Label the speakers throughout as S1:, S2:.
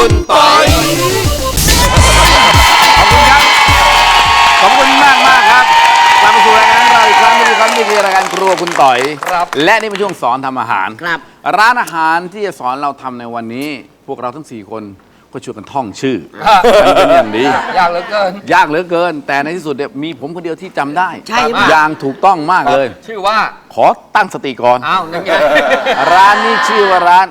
S1: คุณปอย
S2: ขอบคุณมากครับกลับมาสู่รายการของเราอีกครั้งนึงครับนี่คือรายการครัวคุณต่อยและนี่เป็นช่วงสอนทำอาหาร
S3: ครับ
S2: ร้านอาหารที่จะสอนเราทำในวันนี้ พวกเราทั้ง4คนก็ช่วยกันท่องชื่อเป็นอย่างดี
S1: ยากเหลือเกิน
S2: ยากเหลือเกิน แต่ในที่สุดเนี่ยมีผมคนเดียวที่จำได้
S3: ใช่ไหม
S2: อย่างถูกต้องมากเลย
S1: ชื่อว่า
S2: ขอตั้งสติก่อน
S1: อ้าวนั่นไง
S2: ร้านนี้ชื่อว่าร้าน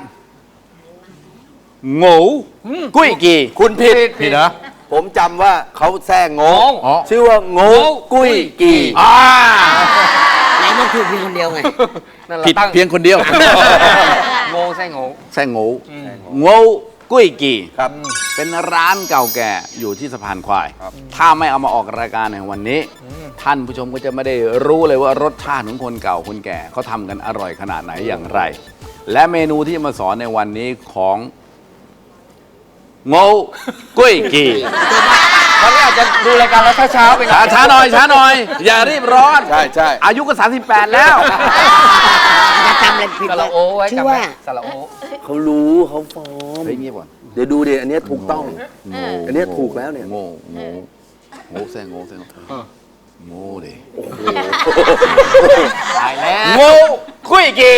S2: โง่กุ้ยกี
S4: คุณผิด
S2: ผิดเหรอ
S4: ผมจำว่าเขาแซ่งง
S2: อ๋อ
S4: ชื่อว่าโง่กุ้ยกี
S3: ไหนมันถูกเพียงคนเดียวไง
S1: นั่นแหละ
S2: ผิด
S1: ตั้ง
S2: เพียงคนเดียว
S1: โง่แซ่โง่
S2: แซ่โง่โง่กุ้ยกี
S4: ครับ
S2: เป็นร้านเก่าแก่อยู่ที่สะพานควาย ถ้าไม่เอามาออกรายการในวันนี้ ท่านผู้ชมก็จะไม่ได้รู้เลยว่ารสชาติของคนเก่าคนแก่เขาทำกันอร่อยขนาดไหนอย่างไร และเมนูที่จะมาสอนในวันนี้ของโง่กุ้ยกี
S1: วันนี้อาจจะดูรายการแล้วเช้าๆไปหน่อย
S2: ช้าหน่อยช้าหน่อย อย่ารีบร้อน
S4: ใช่ใช่
S2: อายุก็38แล้ว
S3: จะจำอะไรผิด
S1: ส
S3: เล
S1: ระ
S3: ย
S1: โอไว้
S3: ชื่อ
S1: จำไว้
S3: ว่า
S1: สระโอ
S4: เขารู้เขาฟ้อง
S2: เฮ้ยเงียบก่อน
S4: เดี๋ยวดูดิอันเนี้ยถูกต้อง
S2: โง่
S4: อันเนี้ยถูกแล้วเนี่ย
S2: โง่โง่โง่แซ่โง่แซ่โง่โง่ดิ
S1: ตายแล้ว
S2: โง่คุยกี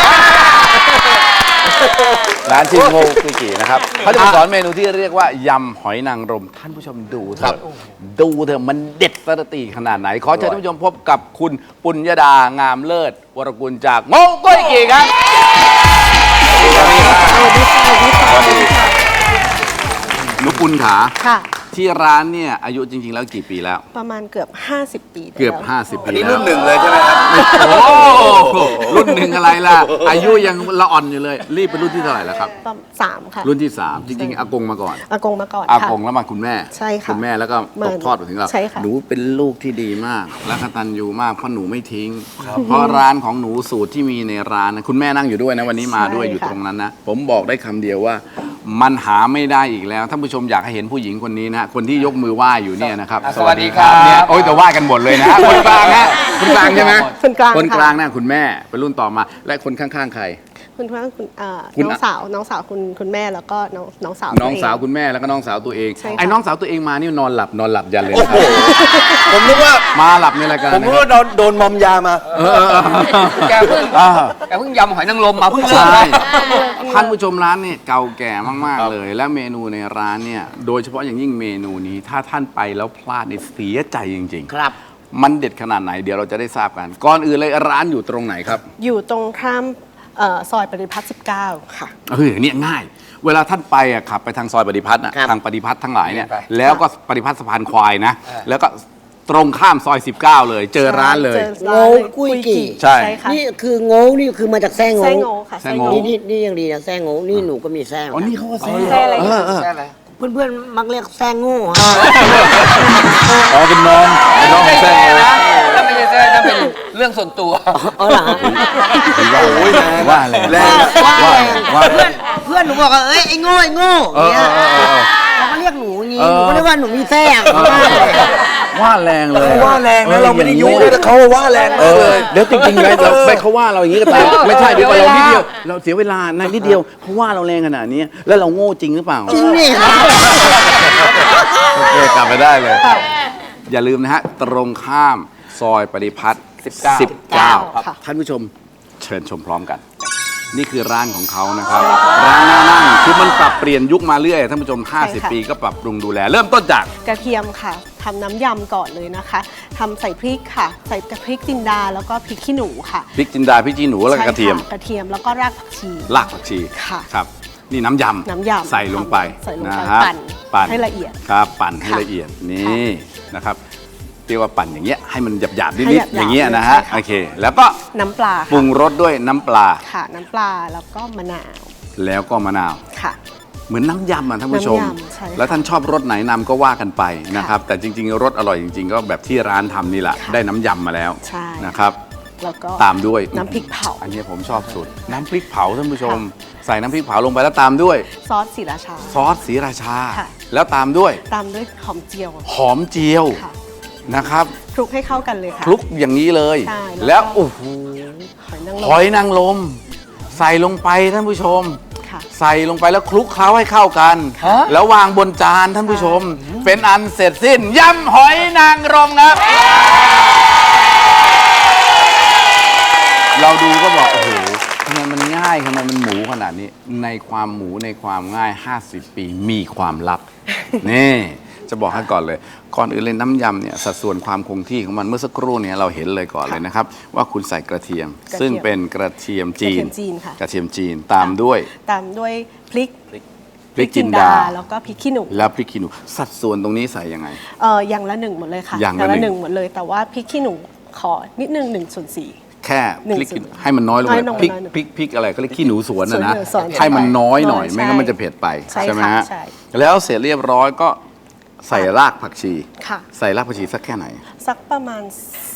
S2: ร้านชื่อโง่คุยกีนะครับเขาจะมาสอนเมนูที่เรียกว่ายำหอยนางรมท่านผู้ชมดูเถอะดูเถอะมันเด็ดสระตีขนาดไหน ขอเชิญท่านผู้ชมพบกับคุณปุญญดางามเลิศวรกุลจากโง่คุยกีครับสวัสดีครับหนูปุณขา
S5: ค่ะ
S2: ที่ร้านเนี่ยอายุจริง ๆ แล้วกี่ปีแล้ว
S5: ประมาณเกือบ 50 ปีได้
S2: เกือบ
S5: แล้ว
S2: 50
S4: อัน
S2: ปี
S4: นี้
S2: แล้ว
S4: รุ่นหนึ่งเลยใช่ไหมครับ
S2: โอ้รุ่นหนึ่งอะไรล่ะ อายุยังละอ่อนอยู่เลย รีบเป็นรุ่นที่เท่าไหร่แล้วครับ
S5: ประมาณ3ค่ะ
S2: รุ่นที่ 3 จริงๆอากงมาก่อน
S5: อากงมาก่อน
S2: อา
S5: ค่ะ
S2: กงแล้วมาคุณแม่
S5: ใช่ค่ะ
S2: คุณแม่แล้วก็ตกทอดมาถึงเรา
S5: ใช่ค่ะ
S2: หนูเป็นลูกที่ดีมาก และกตัญญูมากเพราะหนูไม่ทิ้ง เพราะร้านของหนูสูตรที่มีในร้านนะคุณแม่นั่งอยู่ด้วยนะวันนี้มาด้วยอยู่ตรงนั้นนะ ผมบอกได้คำเดียวว่า มันหาไม่ได้อีกแล้วท่านผู้ชมอยากให้เห็นผู้หญิงคนนี้นะคนที่ยกมือไหว้อยู่เนี่ยนะครับ
S1: สวัสดีครับ
S2: เนี่ยโอ้ยแต่ไหว้กันหมดเลยนะคนกลางนะคนกลางใช่ไหม
S5: คนกลาง
S2: คนกลาง
S5: ค่ะ
S2: น่ะคุณแม่เป็นรุ่นต่อมา และคนข้างๆใคร
S5: คุณพ่อคุณ
S2: คุณ
S5: น้องสาวคุณแม่แล้วก็น้องสาว
S2: น้องสาว
S5: ตัเ
S2: คุณแม่แล้วก็น้องสาวตัวเอง
S5: ใช่ค่ะ
S2: ไอ้น้องสาวตัวเองมานี่นอนหลับยันเลยนะครับ
S4: ผมนึกว่า
S2: มาหลับในรายการ
S4: ผมนึกว่าโดนมอมยามา
S1: แกเพิ่งยำหอยนางรมมาเพิ่งเริ่ม
S2: ใช่
S1: นะ
S2: ท่านผู้ชมร้านเนี่ยเก่าแก่มากๆเลย และเมนูในร้านเนี่ยโดยเฉพาะอย่างยิ่งเมนูนี้ถ้าท่านไปแล้วพลาดเนี่ยเสียใจจริง
S3: ครับ
S2: ๆ มันเด็ดขนาดไหนเดี๋ยวเราจะได้ทราบกัน ก่อนอื่นเลยร้านอยู่ตรงไหนครับ
S5: อยู่ตรงข้ามซอยปฏิพัฒน์19 ค่ะ
S2: เนี่ยง่าย เวลาท่านไปอ่ะขับไปทางซอยปฏิพัฒน์อ่ะ
S3: ครับ
S2: ทางปฏิพัฒน์ทั้งหลายเนี่ย
S1: ไป
S2: แล้วก็ปฏิพัฒน์สะพานควายนะ แล้วก็ตรงข้ามซอย 19 เลย เจอร้านเลย
S5: จอ
S3: โง่กุ้ยกี่
S2: ใช่
S5: ค่ะ
S3: นี่คือโง่นี่คือมาจากแซ่ง
S5: แซ่
S3: โง่
S5: โง่ค่ะ
S2: แซ่โง่
S3: นี่ยังดีนะแซ่งโง่นี่หนูก็มีแซ่ง
S2: อ๋อนี่เขาก็แซ่
S5: แซ่อะไร
S1: ใช่เลย
S3: เพื่อนๆมักเรียกแซ่งโง่ฮะ
S2: อ๋อเป็นน้องเป็นน้องของแซ่
S1: นะแล้วไม่ใช่แซ่นั่นเป็นเรื่องส่วนตัว
S3: เอาเหรอฮะ
S2: ว่าแรง
S4: แรง
S2: ว่า
S3: เพื่อนหนูบอกว่าเอ้ยไอ้โง่เนี่ยเราก็เรียกหนูอย่างงี้หนูก็เรียกว่าหนูมีแซ่ง
S2: ว่าแรงเลย
S4: เขาว่าแรงนะเราไม่ได้ยุ่งด้วยแต่เขาว่าแรงมากเลย
S2: เดี๋ยวจริงๆเลยเราไปเขาว่าเราอย่างนี้ก็ตามไม่ใช่เดี๋ยวเรานิดเดียวเราเสียเวลานะนิดเดียวเขาว่าเราแรงขนาดนี้แล้วเราโง่จริงหรือเปล่า
S3: จริงนี่ครับ
S2: โอเคกลับไปได้เลย อย่าลืมนะฮะ ตรงข้ามซอยปฏิพัฒน์19
S5: ค่ะ
S2: ท่านผู้ชมเชิญชมพร้อมกัน นี่คือร้านของเขานะครับ ร้านน่านั่งคือมันปรับเปลี่ยนยุคมาเรื่อยท่านผู้ชม 50 ปีก็ปรับปรุงดูแล เริ่มต้นจาก
S5: กระเทียมค่ะทำน้ำยำก่อนเลยนะคะทำใส่พริกค่ะ ใส่พริกจินดาแล้วก็พริกขี้หนูค่ะ
S2: พริกจินดาพริกจีหนูแล้วก็กระเทียม
S5: ใช่ค่กระเทียมแล้วก็รากผักชี
S2: รากผักชี
S5: ค่ะ
S2: ครับ นี่น้ำยำ
S5: น้ำยำ
S2: ใส่ลงไป
S5: ใส่ลงไป
S2: นะฮะ
S5: ปั่นให้ละเอียด
S2: ครับปั่นให้
S5: ค่ะ
S2: ละเอียดนี่นะครับเรียกว่าปั่นอย่างเงี้ยให้มันหยาบๆ
S5: ให้
S2: นิด
S5: หยาบๆ
S2: ๆอย่างเงี้ยนะฮะ
S5: ใช่ค่ะ
S2: โอเค แล้วก็
S5: น้ำปลา
S2: ปรุ
S5: ค่ะ
S2: งรสด้วยน้ำปลา
S5: ค่ะน้ำปลาแล้วก็มะนาว
S2: แล้วก็มะนาว
S5: ค่ะ
S2: เหมือนน้ำยำอ่ะท่านผู้ชม
S5: น้ำยำใช่ค่ะ
S2: แล้วท่านชอบรสไหนนำก็ว่ากันไปนะครับ แต่จริงๆรสอร่อยจริง ๆ ก็แบบที่ร้านทำนี่แหละ
S5: ค่ะ
S2: ได้น้ำยำมาแล้ว
S5: ใช่
S2: นะครับ
S5: แล้วก็
S2: ตามด้วย
S5: น้ำพริกเผา
S2: อันนี้ผมชอบสุด น้ำพริกเผาท่านผู้ชม ใส่น้ำพริกเผาลงไปแล้วตามด้วย
S5: ซอสศรีราชา
S2: ซอสศรีราชา
S5: ค่ะ
S2: แล้วตามด้วย
S5: ตามด้วยหอมเจียว
S2: หอมเจียว
S5: ค่ะ
S2: นะครับ
S5: คลุกให้เข้ากันเลยค่ะ
S2: คลุกอย่างนี้เลย
S5: ใช่
S2: แล้
S5: แล้ว วก็
S2: โอ้โห
S5: หอยนางรม
S2: หอยนางรมใส่ลงไปท่านผู้ชม
S5: ค่ะ
S2: ใส่ลงไปแล้วคลุกเคล้าให้เข้ากัน แล้ววางบนจานท่านผู้ชม เป็นอันเสร็จสิ้นยำหอยนางรมครับ เราดูก็บอกโอ้โหทำไมมันง่ายทำไมมันหมูขนาดนี้ ในความหมูในความง่าย 50 ปีมีความลับ นี่จะบอกให้ก่อนเลย ก่อนอื่นเลยน้ำยำเนี่ยสัดส่วนความคงที่ของมันเมื่อสักครู่เนี่ยเราเห็นเลยก่อนเลยนะครับ ว่าคุณใส่กระเทียม
S5: กระเทียม
S2: ซึ่งเป็นกระเทียมจีน
S5: กระเทียมจีนค่ะ
S2: กระเทียมจีนตามด้วย
S5: ตามด้วยพริก
S2: พริกจินดา
S5: แล้วก็พริกขี้หนู
S2: แล้วพริกขี้หนูสัดส่วนตรงนี้ใส่ยังไง
S5: อย่างละ1หมดเลยค่ะ
S2: อย่างละหนึ่ง
S5: หมดเลย แต่ว่าพริกขี้หนูขอนิดนึง1/4
S2: แค่พริก
S5: หนึ่ง
S2: ให้มันน้อยลง
S5: น้
S2: ไป
S5: อยลง
S2: พริก
S5: น้อยลง
S2: พริกอะไรก็เรียกขี้หนูสวนนะนะ
S5: สวน
S2: ให้มันน้อยหน่อย
S5: ใช่
S2: ไม่งั้นมันจะเผ็ดไป
S5: ใช่
S2: ไหม
S5: ค่ะ
S2: ฮะ
S5: ใช่
S2: แล้วเสร็จเรียบร้อยก็ใส่รากผักชี
S5: ค่ะ
S2: ใส่รากผักชีสักแค่ไหน
S5: สักประมาณ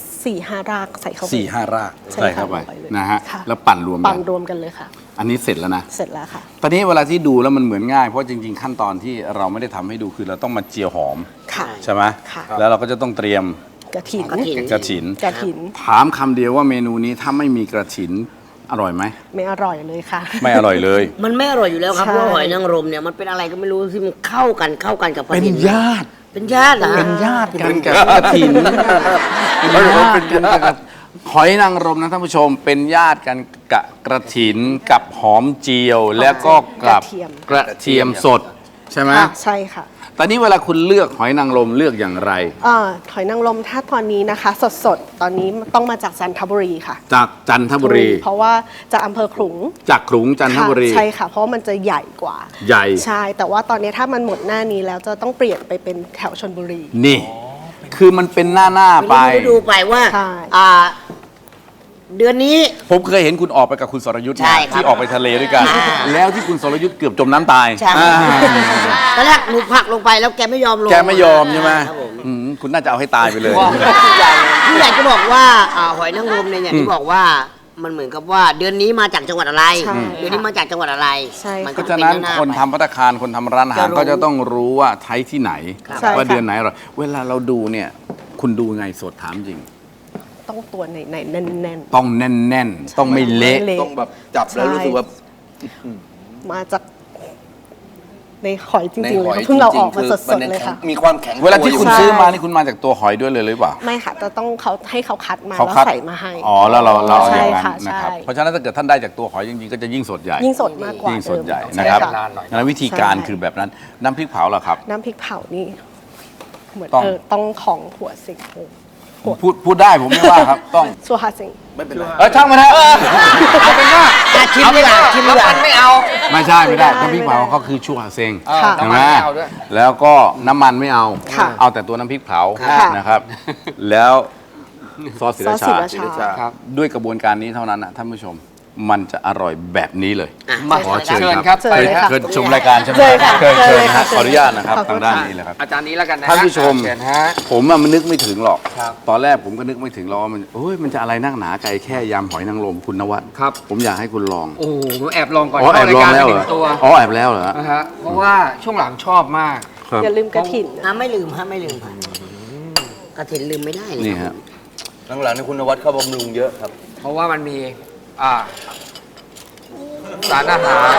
S5: 4-5 รากใส่เข้าไป
S2: 4-5 ราก
S5: ใช่
S2: ใส่เข้าไป
S5: ค่ะลย
S2: นะฮะ
S5: ค่
S2: แล้วปั่นรวมกั
S5: ปั่
S2: น
S5: นรวมกันเลยค่ะ
S2: อันนี้เสร็จแล้วนะ
S5: เสร็จแล้วค่ะ
S2: ตอนนี้เวลาที่ดูแล้วมันเหมือนง่ายเพราะจริงๆขั้นตอนที่เราไม่ได้ทำให้ดูคือเราต้องมาเจียวหอม
S5: ค่ะ
S2: ใช่ไหม
S5: ค่ะ
S2: แล้วเราก็จะต้องเตรียม
S5: กระถิน
S2: กระถิน
S5: กระถิน
S2: ถามคำเดียวว่าเมนูนี้ถ้าไม่มีกระถินอร่อยไหม
S5: ไม่อร่อยเลยค่ะ
S2: ไม่อร่อยเลย
S3: มันไม่อร่อยอยู่แล้วครับ
S5: ใช่
S3: เพราะว่าหอยนางรมเนี่ยมันเป็นอะไรก็ไม่รู้ที่มันเข้ากันกับปลา
S2: เป็น
S3: หิน
S2: ญาติ
S3: เป็นญาติเหรอฮะ
S2: เป็นญาติกันกับกระถินเป็นญาติกันกับหอยนางรมนะท่านผู้ชมเป็นญาติกันกับกระถินกับหอมเจียว แล้วก็กับกระเทียมสดใช่ไหม
S5: ค่ะใช่ค่ะ
S2: ตอนนี้เวลาคุณเลือกหอยนางรมเลือกอย่างไร
S5: หอยนางรมถ้าตอนนี้นะคะ สดๆ ตอนนี้ต้องมาจากจันทบุรีค่ะ
S2: จากจันทบุรี
S5: เพราะว่าจากอำเภอขลุง
S2: จากขลุงจันทบุรี
S5: ค่ะใช่ค่ะ เพราะว่ามันจะใหญ่กว่า
S2: ใหญ่
S5: ใช่ แต่ว่าตอนนี้ถ้ามันหมดหน้านี้แล้วจะต้องเปลี่ยนไปเป็นแถวชลบุรี
S2: นี่ คือมันเป็นหน้าไป
S3: ไม่รู้ดูไปว่า
S5: ใช่
S3: เดือนนี้
S2: ผมเคยเห็นคุณออกไปกับคุณสรยุทธ์
S3: ใช่
S2: นะครับ ที่ออกไปทะเลด้วยกัน
S3: อ่า
S2: แล้วที่คุณสรยุทธ์เกือบจมน้ำตาย
S3: ใช่
S2: อ่า
S3: ตอนแรกหนูผลักลงไปแล้วแกไม่ยอมลง
S2: แกไม่ยอมใช่ไหม
S3: ครับผม
S2: คุณน่าจะเอาให้ตายไปเลย
S3: ที่อยากจะบอกว่าหอยนางรมเนี่ยอย่างที่บอกว่ามันเหมือนกับว่าเดือนนี้มาจากจังหวัดอะไร
S5: ใช่
S3: เดือนนี้มาจากจังหวัดอะไร
S5: ใช่ค่ะ
S3: มั
S2: เพ
S3: ก็
S2: ราะ
S3: จะ
S2: ฉะ
S3: เป็
S2: นั้น
S3: หาๆ
S2: คน
S3: ไป
S2: ทำภัตตาคารคนทำร้านอาหาร
S3: จะรู้
S2: ก็จะต้องรู้ว่าใช้ที่ไหน
S5: ใช่
S2: ว่า
S5: ค่ะ
S2: เดือนไหนอร่อยเวลาเราดูเนี่ย คุณดูไงสดถามจริง
S5: ต้องตัวไหนๆแน่น
S2: ต้องแน่นๆ ต้องไม่เละ
S5: ไม่เละ
S4: ต้องแบบจับแล้วรู้สึกว่า
S5: ๆ มาจากในหอยจริงๆเลยค่ะเพิ่งเราออกมาสดๆเลยค่ะ
S4: มีความแข็ง
S2: เวลาที่คุณ
S5: ใช่
S2: ซื้อมานี่คุณมาจากตัวหอยด้วยเลยหรือเปล่า
S5: ไม่ค่ะจะต้องเขาให้เขาคัดมา
S2: เขา
S5: แล้ว
S2: คัด
S5: ใส่มาให้
S2: อ๋อแล้วเราเอา
S5: ใช่
S2: อย่างนั้น
S5: ค่ะ
S2: นะครับ
S5: ใช่
S2: เพราะฉะนั้นถ้าเกิดท่านได้จากตัวหอยจริงๆก็จะยิ่งสดใหญ่
S5: ยิ่งสดมากกว่า
S2: ยิ่งสดใหญ่
S5: เดิม
S2: นะครับ
S5: ใช่
S1: นานหน่อย
S2: แล้ววิธีการ
S5: ใช่
S2: คือแบบนั้นน้ำพริกเผาเหรอครับ
S5: น้ำพริกเผานี่เหมือน
S2: ต้อง
S5: ต้องของหัวสิงโห
S2: พูดได้ผมไม่ว่าครับ ต้อง
S5: สัวฮาสิง
S4: ไม่เป็นไร
S2: ช่างมันเถอะ
S1: เอาเป็นว่า
S3: ชิมดีกว่าชิมดีกว่า
S1: มันไม่เอา
S2: ไม่ใช่ไม่ได้
S5: ไม่ได้
S2: น้ำพริกเผาเขาคือชั่วเซง
S5: ค่ะ
S2: ใช่ไหม
S1: น้ำมันไม่เอาด้วย
S2: แล้วก็น้ำมันไม่เอา
S5: ค่ะ
S2: เอาแต่ตัวน้ำพริกเผา
S5: ค่ะ
S2: นะครับ แล้วซอสศิ
S5: ซ
S2: รา
S5: อสศิ
S2: ชา
S5: ราชา
S1: ครับ
S2: ด้วยกระบวนการนี้เท่านั้นนะท่านผู้ชมมันจะอร่อยแบบนี้เลย
S1: มา
S2: ขอเชิญ
S1: เชิญ
S2: ค
S1: ค
S2: รั
S1: รั
S2: บบ
S5: เชิญเลยค่ะ
S2: เคยชมรายการใช่ไหม
S5: เชิญค่ะ
S2: เคย
S5: เชิ
S2: เชิ
S5: ญ
S2: ญ
S5: เลย
S2: นะ
S5: ค่ะ
S2: ขออนุญาตนะครับ
S5: ขอบคุ
S2: ทา
S5: ณ
S2: งด้าน
S5: ค่ะ
S2: นี้เลยครับ
S1: อาจารย์นี้แล้วกันนะ
S2: ท่านผู้ชม
S1: เชิญฮะ
S2: ผมมันนึกไม่ถึงหรอก
S1: ครับ
S2: ตอนแรกผมก็นึกไม่ถึงหรอกว่ามันมันจะอะไรนักหนาไก่แค่ยำหอยนางรมคุณนวัด
S1: ครับ
S2: ผมอยากให้คุณลอง
S1: โอ้โหผมแอบลองก่อน
S2: อ๋อแอบลองแล้ว
S1: เข้าราย
S2: เหร
S1: การ
S2: อ
S1: ไป1ตัว
S2: อ๋อแอบแล้วเหรอ
S1: นะฮะเพราะว่าช่วงหลังชอบมาก
S2: ครับ
S5: อย่าลืมกระถิ่นนะ
S3: ไม่ลืมฮะไม่ลืมค่ะกระถินลืมไม่ได้เลย
S2: นี่ฮะ
S4: หลังๆนี่คุณนวัดเข้าบำรุงเยอะครับ
S1: เพราะว่ามันมีสารอาหาร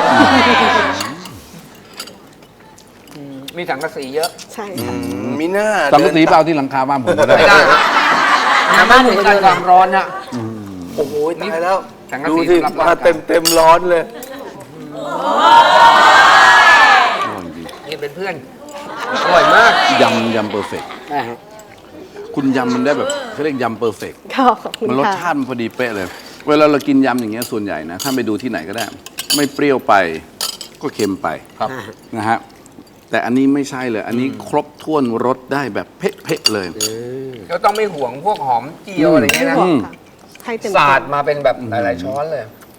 S1: มีสังกะสีเยอะ
S5: ใช่ค่ะ
S4: มีหน้า
S2: สังกะสีเปล่าที่หลังคาบ้านผมก็ได้
S1: ไม่ได้น้ำมันถึงการความร้อนอะ
S4: โอ้โหตายแล้ว
S1: สังกะสี
S4: ดูที่
S1: สำหรับ
S4: มา
S1: ร่างกาย
S4: เต็มร้อนเลย
S1: นี่เป็นเพื่อน อร่อยมาก
S2: ยำเปอร์เฟกต์คุณยำมันได้แบบเขาเรียกยำเปอร์เฟกต์
S5: ขอบคุณ
S2: มันรส
S5: ค่ะ
S2: ชาติมันพอดีเป๊ะเลย เวลาเรากินยำอย่างเงี้ยส่วนใหญ่นะถ้าไปดูที่ไหนก็ได้ ไม่เปรี้ยวไปก็เค็มไป
S3: ครับ
S2: นะฮะแต่อันนี้ไม่ใช่เลย อันนี้ครบถ้วนรสได้แบบเป๊ะๆเลย
S1: ก็ต้องไม่ห่วงพวกหอมเจียวอะไรเงี้ยนะ
S5: ไม่บอกค่ะให้เต็ม
S1: สาดมาเป็นแบบหลายๆช้อนเลย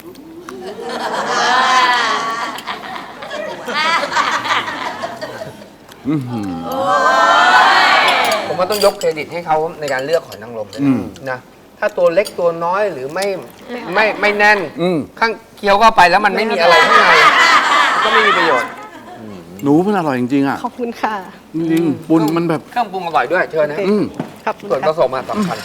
S1: ผมว่าต้องยกเครดิตให้เขาในการเลือกหอยนางรมด้วยนะ ถ้าตัวเล็กตัวน้อยหรือไม่แน่น ข้างเคี้ยวเข้าไปแล้วมันไม่มีอะไรข้างในก็ไม่มีประโยชน์
S2: หนูมันอร่อยจริงๆอ่ะ
S5: ขอบคุณค่ะ
S2: จริงๆปุนมันแบบ
S1: เครื่องปรุงอร่อยด้วยเชิญนะ
S5: ขอบคุณ
S1: ส่วนผ
S5: ค่ะ
S1: สมอะสำคัญ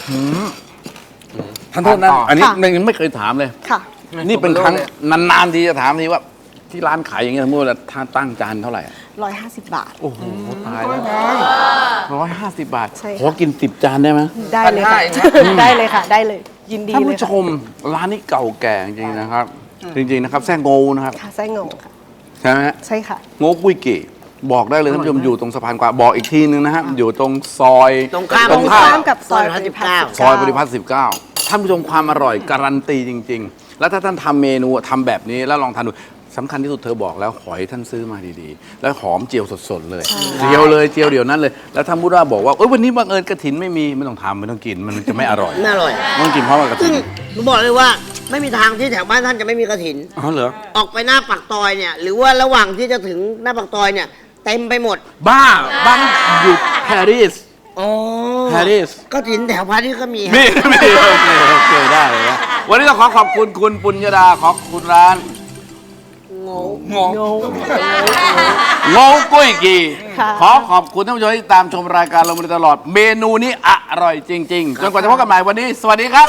S2: ท่านโทษนะ
S1: ต่ออั
S2: อันนี้
S5: ค่ะ
S2: ยังไม่เคยถามเลย
S5: ค่ะ
S2: นี่เป็นครั้งนานๆทีจะถามทีว่าที่ร้านขายอย่างเงี้ยสมมติว่าถ้าตั้งจานเท่าไหร่
S5: 150 บาท
S2: โอ้โหตายแล้ว150 บาท
S5: ใช่ค่ะ
S2: ขอกิน10 จานได้ไหม
S5: ได้เลยค่ะ
S1: 1,500
S5: ได้เลยค่ะ ได้เลย ยินดี
S2: ท่าน
S5: เลย
S2: ผู้ช
S5: ค่ะ
S2: มร้านนี้เก่าแก่จริงๆนะครับ จริงๆนะครับแซ่โง่นะครับ
S5: ค่ะไส้งงค่ะ
S2: ใช่ไหมฮะ
S5: ใช่ค่ะ
S2: โง่กุ้ยเก๋บอกได้เลยท่านผู้ชมอยู่ตรงสะพานกวางบอกอีกทีนึงนะฮะอยู่ตรงซอย
S3: ตรงข้าม
S5: ตรงข้ามกับซอย
S3: ซอย
S2: ซอยปฏิพัฒน์19ท่านผู้ชมความอร่อยการันตีจริง ๆ แล้วถ้าท่านทำเมนูทำแบบนี้แล้วลองทานดูสำคัญที่สุดเธอบอกแล้วหอยท่านซื้อมาดีๆ แล้วหอมเจียวสดๆเลยเจียวเลยเจียวเดี๋ยวนั้นเลยแล้วท่านพูดว่าบอกว่าเอ้ยวันนี้บังเอิญกระถินไม่มีไม่ต้องทำไม่ต้องกินมันจะไม่อร่อย
S3: น่าอร่อย
S2: ต้องกินเพราะว่ากระ
S3: ซึ่
S2: ถิ
S3: ง
S2: น
S3: หนูบอกเลยว่าไม่มีทางที่แถวบ้านท่านจะไม่มีกระถิน
S2: อ๋อเหรอ
S3: ออกไปหน้าปากซอยเนี่ย หรือว่าระหว่างที่จะถึงหน้าปากซอยเนี่ย เต็มไปหมด
S2: บ้าอยู่ปารีส
S3: อ๋อ
S2: ปารีส
S3: กระถินแถวพารีสก็มีฮะ
S2: มีโอเคได้เลยนะวันนี้ต้องขอบคุณคุณปุญญดาขอบคุณร้านโง่กุ้ยกี
S5: ค่ะ
S2: ขอบคุณท่านผู้ชมที่ตามชมรายการเรามาโดยตลอด เมนูนี้อร่อยจริง ๆ จนกว่าจะพบกันใหม่วันนี้ สวัสดีครับ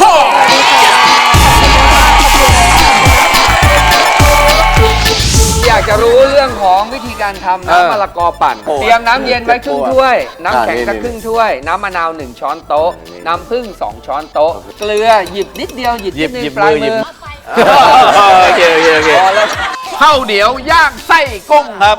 S1: อยากจะรู้เรื่องของวิธีการทำน้ำมะละกอปั่น เตรียมน้ำเย็นไว้ครึ่งถ้วย น้ำแข็งสักครึ่งถ้วย น้ำมะนาว1 ช้อนโต๊ะ น้ำผึ้ง2 ช้อนโต๊ะ เกลือหยิบนิดเดียวหยิบนิดนึง
S2: หยิบ
S1: ปลาย
S2: หยิ
S1: มื
S2: บ
S1: อ
S2: โอเค
S1: พอแล้ว
S2: ข้าวเหนียวย่างไส้กุ้งครับ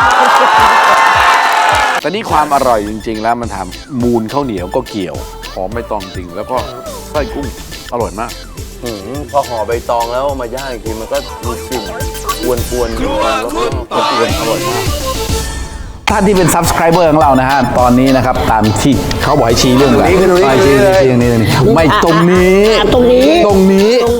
S2: แต่นี่ความอร่อยจริง ๆ แล้วมันทำมูลข้าวเหนียวก็เกี่ยวหอมไม่ตองจริง แล้วก็ไส้กุ้งอร่อยมาก
S4: พอห่อใบตองแล้วมาย่างอีกทีมันก็มีกลิ่นกวนๆแล้วก็
S2: อร่อยมากท่านที่เป็น subscriber ของเรานะฮะ ตอนนี้นะครับ ตามที่เขาบอกให้ชี้เรื่องอะไรชี้ไม่ตรงนี้
S3: ตรงนี้
S2: ตรงนี้